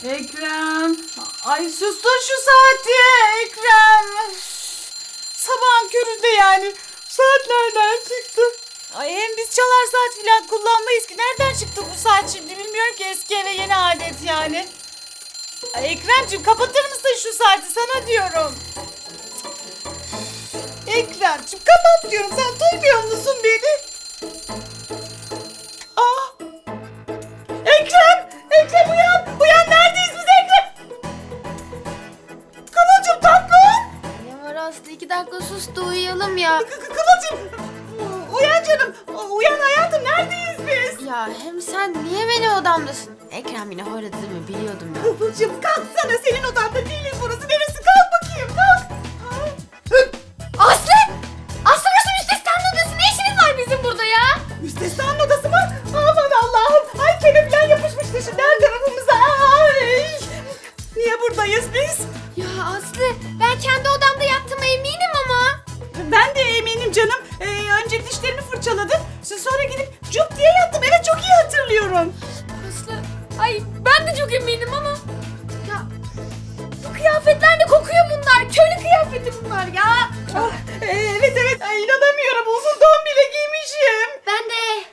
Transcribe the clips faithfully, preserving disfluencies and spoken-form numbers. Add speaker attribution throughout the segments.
Speaker 1: Ekrem. Ay sustur şu saati Ekrem. Sabahın köründe yani. Saat nereden çıktı? Ay hem biz çalar saat filan kullanmayız ki. Nereden çıktı bu saat şimdi bilmiyorum ki, eski eve yeni adet yani. Ay Ekremciğim kapatır mısın şu saati, sana diyorum. Ekremciğim kapat diyorum, sen duymuyor musun beni? Aa! Ekrem! Ekrem uyan! Uyan, neredeyiz biz Ekrem? Kıvılcım tatlım!
Speaker 2: Ne var Aslı, iki dakika sus da uyuyalım ya.
Speaker 1: Kı- kı- Kıvılcım! Uyan canım! Uyan hayatım, neredeyiz biz?
Speaker 2: Ya hem sen niye benim odamdasın? Ekrem yine horladı değil mi? Biliyordum ya.
Speaker 1: Kıvılcım kalksana, senin odanda değiliz burası. Neresi? Kalk bakayım, kalk!
Speaker 2: Aslı! Aslı nasıl müstesnanın odası? Ne işiniz var bizim burada ya?
Speaker 1: Müstesnanın odası mı? Aman Allah'ım! Ay kelepçen yapışmıştı şimdi her tarafımıza. Ay! Niye buradayız biz?
Speaker 2: Ya Aslı, ben kendi odamda yattığıma eminim ama.
Speaker 1: Ben de eminim canım. Ee, önce dişlerimi fırçaladım. Sonra gidip cup diye yattım. Evet, çok iyi hatırlıyorum.
Speaker 2: Aslı, ay ben de çok eminim ama. Ya bu kıyafetler de kokuyor bunlar. Köylü kıyafeti bunlar ya.
Speaker 1: Ah, e, evet evet. Ay, inanamıyorum. Uzun don bile giymişim.
Speaker 2: Ben de.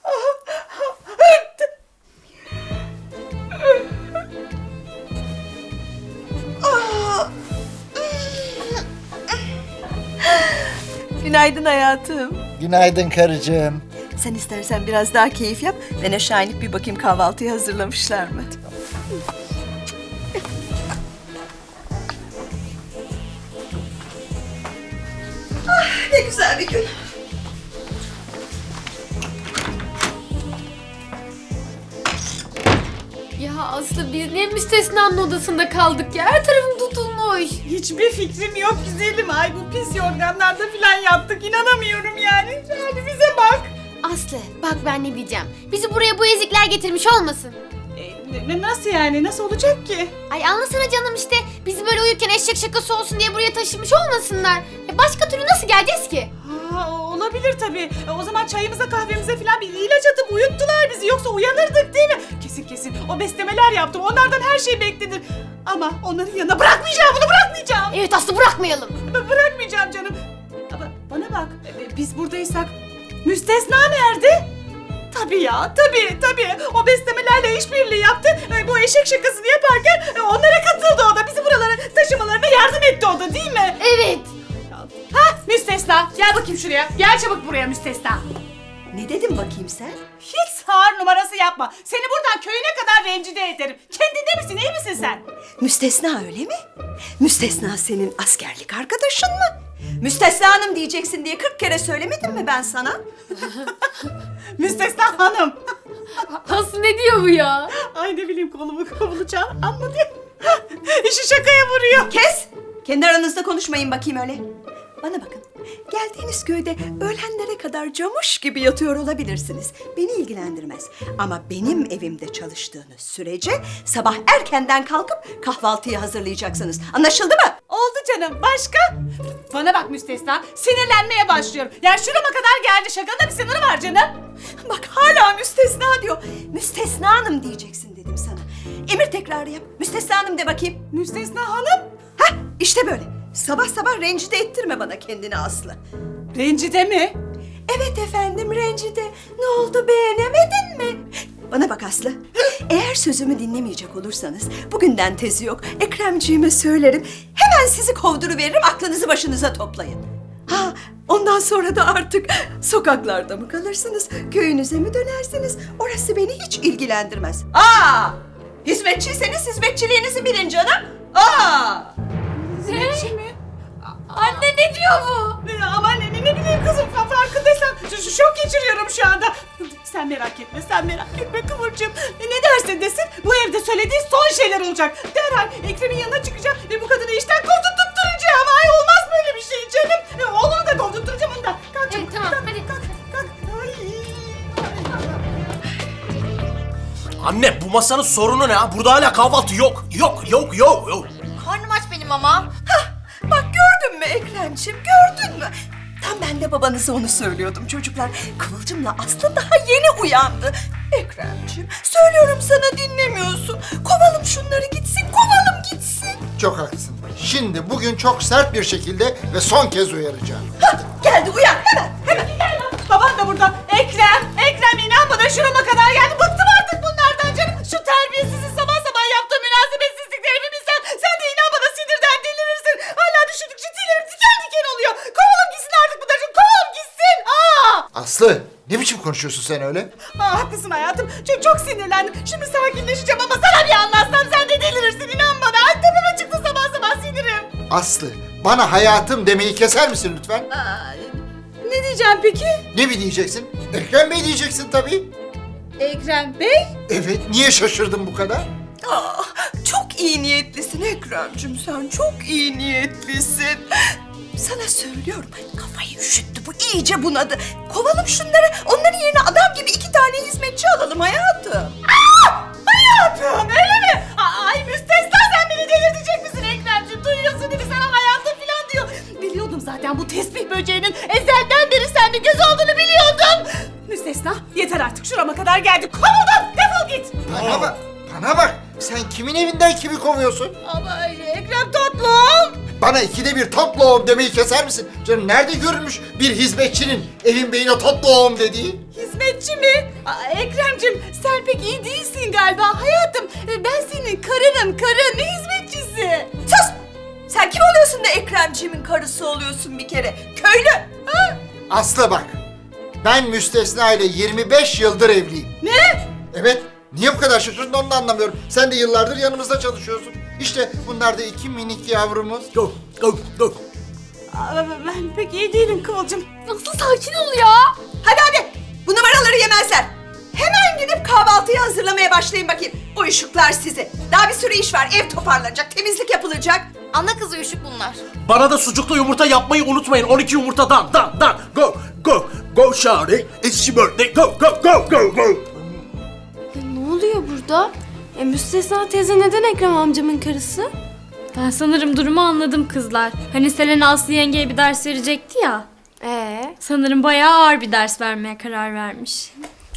Speaker 3: Günaydın hayatım.
Speaker 4: Günaydın karıcığım.
Speaker 3: Sen istersen biraz daha keyif yap. Ben aşağı inip bir bakayım kahvaltıyı hazırlamışlar mı? Ah, ne güzel bir gün.
Speaker 2: Ya Aslı, biz niye müstesnanın odasında kaldık ya? Her tarafım tutulmuş.
Speaker 1: Hiçbir fikrim yok güzelim. Ay bu pis yorganlarda falan yattık. İnanamıyorum yani. Hadi bize bak.
Speaker 2: Aslı, bak ben ne diyeceğim. Bizi buraya bu ezikler getirmiş olmasın?
Speaker 1: E, ne- nasıl yani? Nasıl olacak ki?
Speaker 2: Ay anlasana canım işte. Bizi böyle uyurken eşek şakası olsun diye buraya taşımış olmasınlar. Ya başka türlü nasıl geleceğiz ki?
Speaker 1: Ha, olabilir tabii. E, O zaman çayımıza kahvemize falan bir ilaç atıp uyuttular bizi. Yoksa uyanırdık değil mi? Kesin kesin. O beslemeler yaptım. Onlardan her şey beklenir. Ama onların yanına bırakmayacağım. Bunu bırakmayacağım.
Speaker 2: Evet Aslı, bırakmayalım.
Speaker 1: B- bırakmayacağım canım. Ama bana bak. e, Biz buradaysak müstesna nerede? Tabii ya, tabii, tabii. O beslemelerle işbirliği yaptı. E, Bu eşek şakasını yaparken e, onlara katıldı o da. Bizi buralara taşımalarına yardım etti o da, değil mi?
Speaker 2: Evet.
Speaker 1: Ha, müstesna. Gel bakayım şuraya. Gel çabuk buraya müstesna.
Speaker 3: Ne dedim bakayım sen?
Speaker 1: Hiç sağır numarası yapma. Seni buradan köyüne kadar rencide ederim. Kendinde misin, iyi misin sen?
Speaker 3: Müstesna öyle mi? Müstesna senin askerlik arkadaşın mı? Müstesna hanım diyeceksin diye kırk kere söylemedim mi ben sana?
Speaker 1: Müstesna hanım.
Speaker 2: Aslı ne diyor bu ya?
Speaker 1: Ay ne bileyim, kolumu kovulacağım. Anladı. İşi şakaya vuruyor.
Speaker 3: Kes! Kendi aranızda konuşmayın bakayım öyle. Bana bakın. Geldiğiniz köyde öğlenlere kadar camuş gibi yatıyor olabilirsiniz. Beni ilgilendirmez. Ama benim evimde çalıştığınız sürece sabah erkenden kalkıp kahvaltıyı hazırlayacaksınız. Anlaşıldı mı?
Speaker 1: Oldu canım. Başka? Bana bak müstesna. Sinirlenmeye başlıyorum. Ya şurama kadar geldi. Şakanın da bir sınırı var canım.
Speaker 3: Bak hala müstesna diyor. Müstesna hanım diyeceksin dedim sana. Emir tekrarı yap. Müstesna hanım de bakayım.
Speaker 1: Müstesna hanım.
Speaker 3: Hah işte böyle. Sabah sabah rencide ettirme bana kendini Aslı.
Speaker 1: Rencide mi?
Speaker 3: Evet efendim rencide. Ne oldu, beğenemedin mi? Bana bak Aslı. Eğer sözümü dinlemeyecek olursanız bugünden tezi yok. Ekremciğime söylerim. Hemen sizi kovduruveririm, aklınızı başınıza toplayın. Ha, ondan sonra da artık sokaklarda mı kalırsınız, köyünüze mi dönersiniz? Orası beni hiç ilgilendirmez. Aa! Hizmetçiyseniz hizmetçiliğinizi bilin canım. Aa!
Speaker 1: Hizmetçi mi?
Speaker 2: Anne ne diyor bu?
Speaker 1: Ne- Aman ne, ne bileyim kızım, fa- farkındaysan şu- şu şok geçiriyorum şu anda. Sen merak etme, sen merak etme Kıvırcığım. E, Ne derse desin bu evde söylediği son şeyler olacak. Derhal Ekrem'in yanına çıkacağım ve bu kadını işten kovdurtturacağım. Ay olmaz böyle bir şey canım. E, oğlunu da kovdurtturacağım onu da. Kalk çabuk,
Speaker 2: Evet, tamam,
Speaker 1: kalk,
Speaker 2: hadi.
Speaker 1: kalk, kalk. Ay.
Speaker 5: Anne bu masanın sorunu ne ha? Burada hala kahvaltı yok. Yok yok yok yok.
Speaker 2: Karnım aç benim ama.
Speaker 3: Bak gördün mü Ekremciğim, gördün mü? Tam ben de babanıza onu söylüyordum çocuklar. Kıvılcımla Aslı daha yeni uyandı. Ekremciğim, söylüyorum sana dinlemiyorsun. Kovalım şunları gitsin, kovalım gitsin.
Speaker 4: Çok haklısın. Şimdi bugün çok sert bir şekilde ve son kez uyaracağım.
Speaker 3: Hadi geldi uyan hemen hemen.
Speaker 1: Baban da burada. Ekrem, Ekrem inan bana şurama kadar geldi. Bıktım artık bunlardan canım. Şu terbiyesizin sabah sabah yaptığı münasebetsizlikleri bir bilsen. Sen de inan bana sinirden delirirsin. Hala düşündükçe tüylerim diken diken oluyor. Kovalım gitsin artık bunları. Kovalım gitsin. Aa!
Speaker 4: Aslı, ne biçim konuşuyorsun sen öyle?
Speaker 1: Aa, haklısın hayatım. Çok, çok sinirlendim. Şimdi sakinleşeceğim ama sana bir anlatsam sen de delirirsin inan bana. Ay tepeme çıktı sabah sabah sinirim.
Speaker 4: Aslı, bana hayatım demeyi keser misin lütfen?
Speaker 1: Aa, ne diyeceğim peki?
Speaker 4: Ne mi diyeceksin? Ekrem Bey diyeceksin tabii.
Speaker 1: Ekrem Bey?
Speaker 4: Evet, niye şaşırdın bu kadar?
Speaker 3: Ah, çok iyi niyetlisin Ekrem'cim sen çok iyi niyetlisin. Sana söylüyorum kafayı üşüttü bu iyice bunadı. Kovalım şunları onların yerine adam gibi iki tane hizmetçi alalım hayatım.
Speaker 1: Hayatım öyle mi? A- Ay müstesna sen beni delirtecek misin Ekrem'ciğim? Duyuyorsun değil mi sana hayatım falan diyor. Biliyordum zaten bu tesbih böceğinin ezelden beri sende göz olduğunu biliyordum. Müstesna yeter artık şurama kadar geldik. Kovuldun defol git.
Speaker 4: Bana bak, bana bak. Sen kimin evinden kimi kovuyorsun?
Speaker 1: Ama Ekrem tatlım.
Speaker 4: Bana ikide bir tatlı oğlum demeyi keser misin? Canım nerede görülmüş bir hizmetçinin evin beyine tatlı oğlum dediği?
Speaker 1: Hizmetçi mi? Aa, Ekrem'cim sen pek iyi değilsin galiba hayatım. E, Ben senin karınım karın ne hizmetçisi?
Speaker 3: Sus! Sen kim oluyorsun da Ekremciğimin karısı oluyorsun bir kere? Köylü! Ha?
Speaker 4: Aslı bak, ben Müstesna ile yirmi beş yıldır evliyim.
Speaker 1: Ne?
Speaker 4: Evet, niye bu kadar şaşırdın onu da anlamıyorum. Sen de yıllardır yanımızda çalışıyorsun. İşte bunlar da iki minik yavrumuz.
Speaker 5: Go, go, go.
Speaker 1: Aa, Ben pek iyi değilim Kıvılcım.
Speaker 2: Aslı sakin ol ya.
Speaker 3: Hadi hadi! Bu numaraları yemezler. Hemen gidip kahvaltıyı hazırlamaya başlayın bakayım. Uyuşuklar sizi. Daha bir sürü iş var. Ev toparlanacak, temizlik yapılacak.
Speaker 2: Ana kızı üşük bunlar.
Speaker 5: Bana da sucuklu yumurta yapmayı unutmayın. on iki yumurtadan, dan, dan. Go, go, go Shari. It's your birthday. Go, go, go, go, go.
Speaker 6: Ya ne oluyor burada? E, Müstesna teyze neden Ekrem amcamın karısı?
Speaker 7: Ben sanırım durumu anladım kızlar. Hani Selena Aslı yengeye bir ders verecekti ya.
Speaker 6: Ee,
Speaker 7: Sanırım bayağı ağır bir ders vermeye karar vermiş.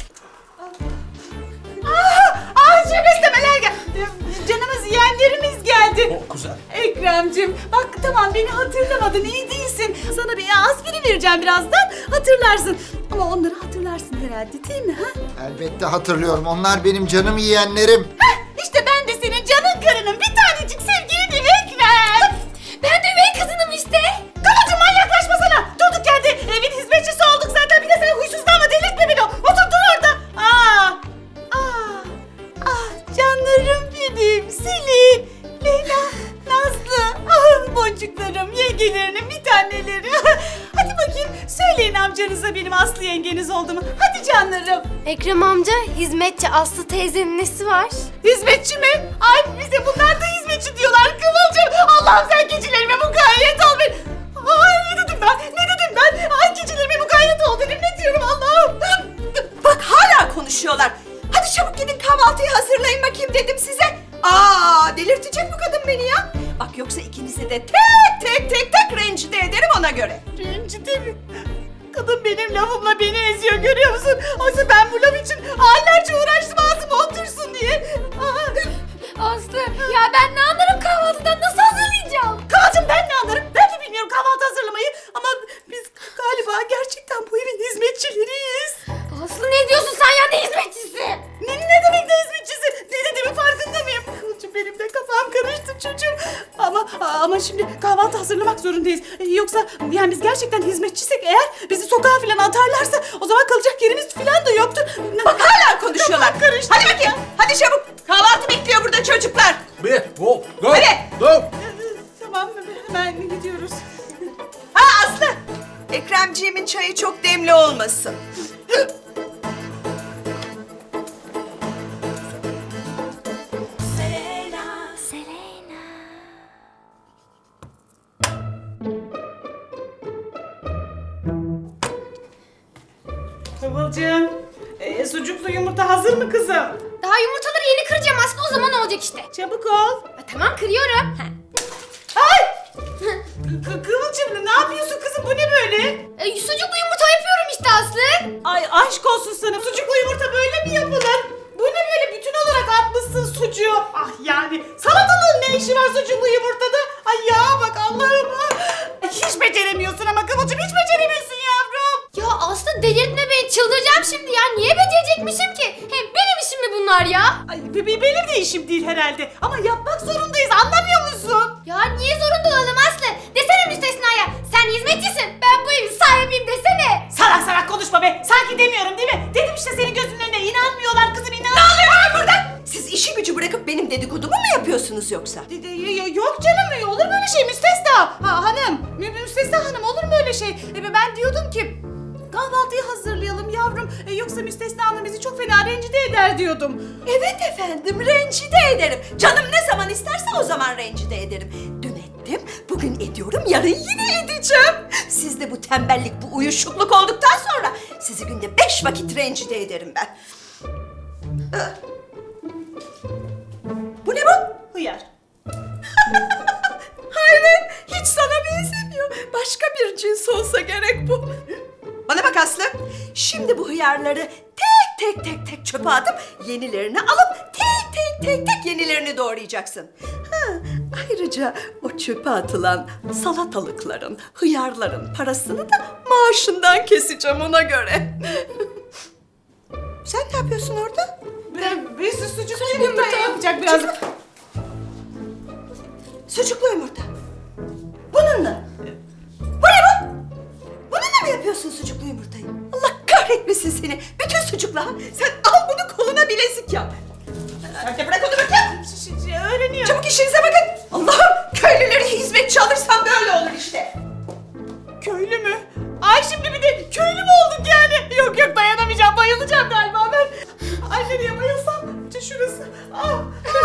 Speaker 1: Aa çok istemeler gel. Canımız yeğenlerimiz geldi.
Speaker 5: Oh, güzel.
Speaker 1: Ekrem'cim bak tamam beni hatırlamadın iyi değilsin. Sana bir aspirin vereceğim birazdan hatırlarsın. Ama onları hatırlarsın herhalde değil mi? Ha?
Speaker 4: Elbette hatırlıyorum. Onlar benim canım yiyenlerim.
Speaker 1: Heh, işte ben de senin canın karının bir tanecik sevgilinim Ekrem.
Speaker 2: Ben de üvey kızınım işte.
Speaker 1: Kıvılcım manyaklaşma sana. Durduk yerde evin hizmetçisi olduk zaten. Bir de sen huysuzlanma delirtme beni. Otur dur orada. Aa, aa, ah canlarım benim. Selin, Leyla, Nazlı. Ah boncuklarım, yengelerinin bir taneleri. Hadi bakayım söyleyin amcanıza benim Aslı yengeniz oldu mu? Hadi canlarım.
Speaker 6: Ekrem amca hizmetçi Aslı teyzenin nesi var?
Speaker 1: Hizmetçi mi? Ay bize bunlar da hizmetçi diyorlar Kıvılcım. Allah'ım sen gecelerime mukayyet ol beni. Ay ne dedim ben? Ne dedim ben? Ay gecelerime mukayyet ol dedim. Ne diyorum Allah'ım?
Speaker 3: Bak hala konuşuyorlar. Hadi çabuk gidin kahvaltıyı hazırlayın bakayım dedim size. Aa delirtecek bu kadın beni ya. Bak yoksa ikinizi de tek tek tek tek rencide ederim ona göre.
Speaker 1: Rencide mi? Kadın benim lafımla beni eziyor görüyor musun? Oysa ben bu laf için aylarca uğraştım ağzıma otursun diye. Aa,
Speaker 2: Aslı ya ben ne anlarım kahvaltıdan nasıl hazırlayacağım?
Speaker 1: Kıvılcım ben ne anlarım? Ben de bilmiyorum kahvaltı hazırlamayı. Ama biz galiba gerçekten bu evin hizmetçileriyiz.
Speaker 2: Aslı ne diyorsun sen ya ne hizmetçisi?
Speaker 1: Ne, ne demek ne hizmetçisi? Ne dediğimin farkında mıyım? Kıvılcım benim de kafam karıştı çocuğum. Ama ama şimdi kahvaltı hazırlamak zorundayız. Ee, Yoksa yani biz gerçekten hizmetçisek eğer bizi sokağa falan atarlarsa o zaman kalacak yerimiz falan da yoktur.
Speaker 3: Bak hala konuşuyorlar.
Speaker 1: Kafam karıştı.
Speaker 3: Hadi bakayım. Hadi çabuk. Kahvaltı bekliyor burada çocuklar.
Speaker 5: Bir, go, go,
Speaker 3: Hadi.
Speaker 5: go.
Speaker 1: Ee, Tamam hemen gidiyoruz.
Speaker 3: Ha Aslı. Ekremciğimin çayı çok demli olmasın.
Speaker 1: Kıvılcım, e, sucuklu yumurta hazır mı kızım?
Speaker 2: Daha yumurtaları yeni kıracağım Aslı o zaman olacak işte.
Speaker 1: Çabuk ol.
Speaker 2: Ha, tamam kırıyorum. Ha.
Speaker 1: Ay! Kı- Kıvılcım ne yapıyorsun kızım, bu ne böyle?
Speaker 2: E, sucuklu yumurta yapıyorum işte Aslı.
Speaker 1: Ay aşk olsun sana, sucuklu yumurta böyle mi yapılır? Bu ne böyle, bütün olarak atmışsın sucuğu. Ah yani salatalığın ne işi var sucuklu yumurtada? Ay ya bak Allah'ım. Hiç beceremiyorsun ama Kıvılcım, hiç beceremiyorsun yavrum.
Speaker 2: Ya Aslı delirtme beni, çıldıracağım şimdi ya. Niye becerecekmişim ki? Hem benim işim mi bunlar ya?
Speaker 1: Ay be- be- benim de işim değil herhalde ama yapmak zorundayız, anlamıyor musun?
Speaker 2: Ya niye zorunda olalım Aslı? Desene müstesnaya, sen hizmetçisin, ben bu evin sahibiyim desene.
Speaker 1: Salak salak konuşma be, sanki demiyorum değil mi? Dedim işte senin gözünün önüne, inanmıyorlar kızım, inan. Ne oluyor burada?
Speaker 3: Siz işi gücü bırakıp benim dedikodumu mu yapıyorsunuz yoksa?
Speaker 1: De- de- y- Yok canım, olur mu öyle şey Müstesna? Ha, hanım, Mü- Müstesna hanım, olur mu öyle şey? E, ben diyordum ki kahvaltıyı hazırlayalım yavrum. E, yoksa Müstesna hanım bizi çok fena rencide eder diyordum.
Speaker 3: Evet efendim, rencide ederim. Canım ne zaman isterse o zaman rencide ederim. Dün ettim, bugün ediyorum, yarın yine edeceğim. Siz de bu tembellik, bu uyuşukluk olduktan sonra sizi günde beş vakit rencide ederim ben. Ee, Bu ne bu?
Speaker 1: Hıyar.
Speaker 3: Hayret, hiç sana benzemiyor. Başka bir cins olsa gerek bu. Bana bak Aslı, şimdi bu hıyarları tek tek tek tek çöpe atıp yenilerini alıp tek tek tek tek yenilerini doğrayacaksın. Ha, ayrıca o çöpe atılan salatalıkların, hıyarların parasını da maaşından keseceğim ona göre. Sen ne yapıyorsun orada?
Speaker 1: Ben bir su- sucuklu yumurta yapacak biraz.
Speaker 3: Sucuklu yumurta. Bununla. Bu ne bu? Bununla mı yapıyorsun sucuklu yumurtayı? Allah kahretmesin seni. Bütün sucukla. Sen al bunu koluna bilezik yap. Hadi bırak onu bakayım.
Speaker 1: Ş- ş- Öğreniyor.
Speaker 3: Çabuk işinize bakın. Allah'ım, köylüleri hizmetçi alırsam böyle olur işte.
Speaker 1: Köylü mü? Ay şimdi bir de köylü mü olduk yani? Yok yok, dayanamayacağım, bayılacağım galiba ben. Ay nereye bayılsam? İşte şurası. Ah.